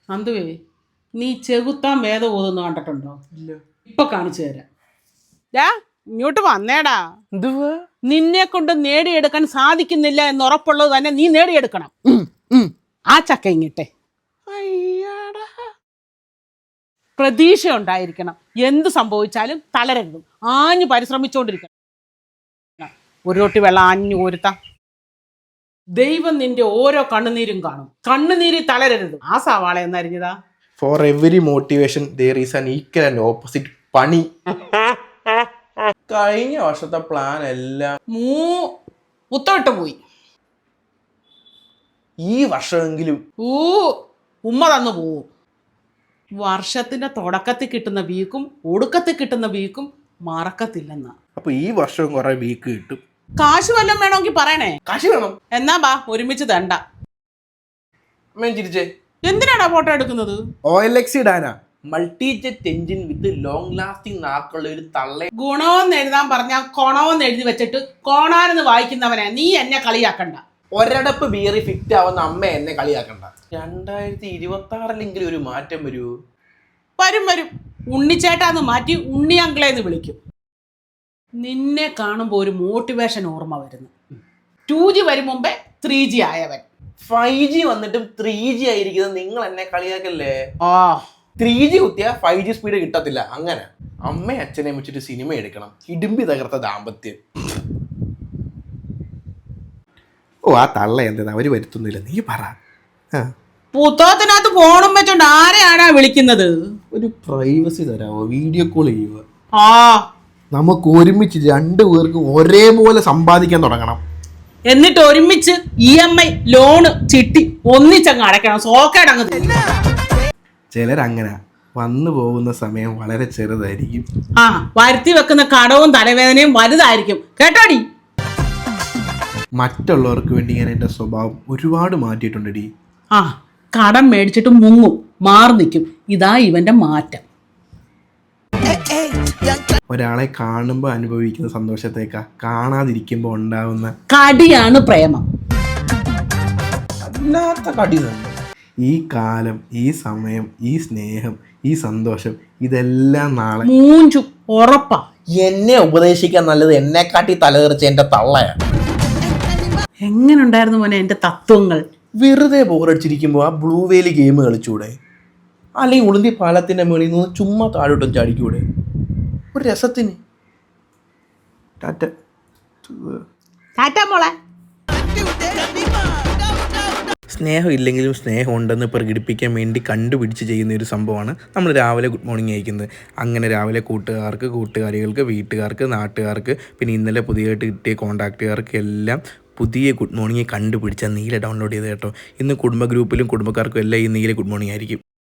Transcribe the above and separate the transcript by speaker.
Speaker 1: നന്ദുവേ, നീ ചെകുത്താൻ വേദം ഓതുന്നു കണ്ടിട്ടുണ്ടോ?
Speaker 2: ഇല്ല.
Speaker 1: ഇപ്പൊ കാണിച്ചു തരാം. ഇങ്ങോട്ട് വന്നേടാ.
Speaker 2: എന്തുവാ?
Speaker 1: നിന്നെ കൊണ്ട് നേടിയെടുക്കാൻ സാധിക്കുന്നില്ല എന്ന് ഉറപ്പുള്ളത് തന്നെ നീ നേടിയെടുക്കണം. ആ ചക്ക ഇങ്ങിട്ടെ. പ്രതീക്ഷ ഉണ്ടായിരിക്കണം. എന്ത് സംഭവിച്ചാലും തളരരുത്. ആഞ്ഞു പരിശ്രമിച്ചുകൊണ്ടിരിക്കണം. ഒരു റൊട്ടി വെള്ളം ആഞ്ഞു കോരുത്ത ദൈവം നിന്റെ ഓരോ കണ്ണുനീരും കാണും. കണ്ണുനീരിൽ തളരരുത്. ആ സവാള എന്നറിഞ്ഞതാ.
Speaker 2: For every motivation there is an equal and opposite പണി. കഴിഞ്ഞ വർഷത്തെ പ്ലാൻ എല്ലാം
Speaker 1: മുത്തോട്ട് പോയി.
Speaker 2: ഈ വർഷമെങ്കിലും
Speaker 1: ഉമ്മ തന്നു പോവും. വർഷത്തിന്റെ തുടക്കത്തിൽ കിട്ടുന്ന വീക്കും ഒടുക്കത്തിൽ കിട്ടുന്ന വീക്കും മറക്കത്തില്ലെന്ന.
Speaker 2: അപ്പൊ ഈ വർഷവും കുറെ വീക്ക് കിട്ടും.
Speaker 1: കാശ് വല്ലതും വേണമെങ്കിൽ പറയണേ.
Speaker 2: കാശ് വേണം.
Speaker 1: എന്നാ ബാ ഒരുമിച്ച് തണ്ട.
Speaker 2: ചിരിച്ചേ.
Speaker 1: എന്തിനാടാ ഫോട്ടോ എടുക്കുന്നത്?
Speaker 2: OLX ഇടാനാ. Multi jet engine with long lasting നാക്കുള്ള ഒരു തള്ള.
Speaker 1: ഗുണമെന്ന് എഴുതാൻ പറഞ്ഞാൽ കൊണമെന്ന് എഴുതി വെച്ചിട്ട് കോണാനെന്ന് വായിക്കുന്നവനെ നീ എന്നെ കളിയാക്കണ്ട.
Speaker 2: ഒരടപ്പ് ബിയറി ഫിറ്റ് ആവുന്ന അമ്മ എന്നെ കളിയാക്കണ്ട. 2026 ഒരു മാറ്റം വരൂ.
Speaker 1: വരും. ഉണ്ണിച്ചേട്ടാന്ന് മാറ്റി ഉണ്ണി അങ്കിളേന്ന് വിളിക്കും. നിന്നെ കാണുമ്പോൾ ഒരു മോട്ടിവേഷൻ ഓർമ്മ വരുന്നു. 2G വരും മുമ്പേ 3G ആയവൻ.
Speaker 2: 5G വന്നിട്ടും 3G ആയിരിക്കുന്നത് നിങ്ങൾ എന്നെ കളിയാക്കല്ലേ. 3G കുത്തിയാ 5G സ്പീഡ് കിട്ടത്തില്ല. അങ്ങനെ അമ്മയും അച്ഛനെയും വെച്ചിട്ട് സിനിമ എടുക്കണം. ഇടുമ്പി തകർത്ത ദാമ്പത്യം. ആ തള്ള എന്താ അവര് വരുത്തുന്നില്ല, നീ പറ.
Speaker 1: പുസ്തകത്തിനകത്ത് ഫോണും വെച്ചോണ്ട് ആരെയാണാ വിളിക്കുന്നത്?
Speaker 2: ഒരു പ്രൈവസി തരാമോ? വീഡിയോ കോൾ ചെയ്യുക. നമുക്ക് ഒരുമിച്ച് 2 പേർക്കും ഒരേപോലെ സമ്പാദിക്കാൻ തുടങ്ങണം.
Speaker 1: എന്നിട്ട് ഒരുമിച്ച് EMI ലോണ് ചിട്ടി ഒന്നിച്ചങ്ങ് അടയ്ക്കണം. സോക്കേടങ്ങ്.
Speaker 2: ചിലരങ്ങനെ വന്നു പോകുന്ന സമയം വളരെ ചെറുതായിരിക്കും.
Speaker 1: വരുത്തി വെക്കുന്ന കടവും തലവേദനയും വലുതായിരിക്കും. കേട്ടോടി.
Speaker 2: മറ്റുള്ളവർക്ക് വേണ്ടി ഞാൻ എൻ്റെ സ്വഭാവം ഒരുപാട് മാറ്റിയിട്ടുണ്ടടി.
Speaker 1: കടം മേടിച്ചിട്ട് മുങ്ങും, മാറി നിൽക്കും. ഇതാ ഇവന്റെ മാറ്റം.
Speaker 2: ഒരാളെ കാണുമ്പോൾ അനുഭവിക്കുന്ന സന്തോഷത്തേക്കാ കാണാതിരിക്കുമ്പോൾ ഉണ്ടാവുന്ന
Speaker 1: കടിയാണ് പ്രേമം.
Speaker 2: അല്ലാത്ത കടി തന്നെ. ഈ കാലം, ഈ സമയം, ഈ സ്നേഹം, ഈ സന്തോഷം ഇതെല്ലാം നാളെ
Speaker 1: മൂഞ്ചും. ഉറപ്പാ.
Speaker 2: എന്നെ ഉപദേശിക്കാൻ നല്ലത് എന്നെക്കാട്ടി തലതെറിച്ച എന്റെ തള്ളയാണ്.
Speaker 1: എങ്ങനെ ഉണ്ടായിരുന്നു മോനെ എന്റെ തത്വങ്ങൾ?
Speaker 2: വെറുതെ ബോറടിച്ചിരിക്കുമ്പോൾ ആ ബ്ലൂ വേലി ഗെയിം കളിച്ചൂടെ? അല്ലെങ്കിൽ ഉളുന്തി പാലത്തിന്റെ മേളിൽ നിന്ന് ചുമ്മാ താഴോട്ടും ചാടിക്കൂടെ? ഒരു രസത്തിന്.
Speaker 1: ടാറ്റ മോളെ.
Speaker 2: സ്നേഹം ഇല്ലെങ്കിലും സ്നേഹം ഉണ്ടെന്ന് പ്രകടിപ്പിക്കാൻ വേണ്ടി കണ്ടുപിടിച്ച് ചെയ്യുന്ന ഒരു സംഭവമാണ് നമ്മൾ രാവിലെ ഗുഡ് മോർണിംഗ് അയക്കുന്നത്. അങ്ങനെ രാവിലെ കൂട്ടുകാർക്ക്, കൂട്ടുകാരികൾക്ക്, വീട്ടുകാർക്ക്, നാട്ടുകാർക്ക്, പിന്നെ ഇന്നലെ പുതിയതായിട്ട് കിട്ടിയ കോൺടാക്റ്റുകാർക്ക് എല്ലാം പുതിയ ഗുഡ് മോർണിംഗ് കണ്ടുപിടിച്ചാൽ നീല ഡൗൺലോഡ് ചെയ്ത് കേട്ടോ. ഇന്ന് കുടുംബ ഗ്രൂപ്പിലും കുടുംബക്കാർക്കും എല്ലാം ഈ നീല ഗുഡ് മോർണിംഗ് ആയിരിക്കും.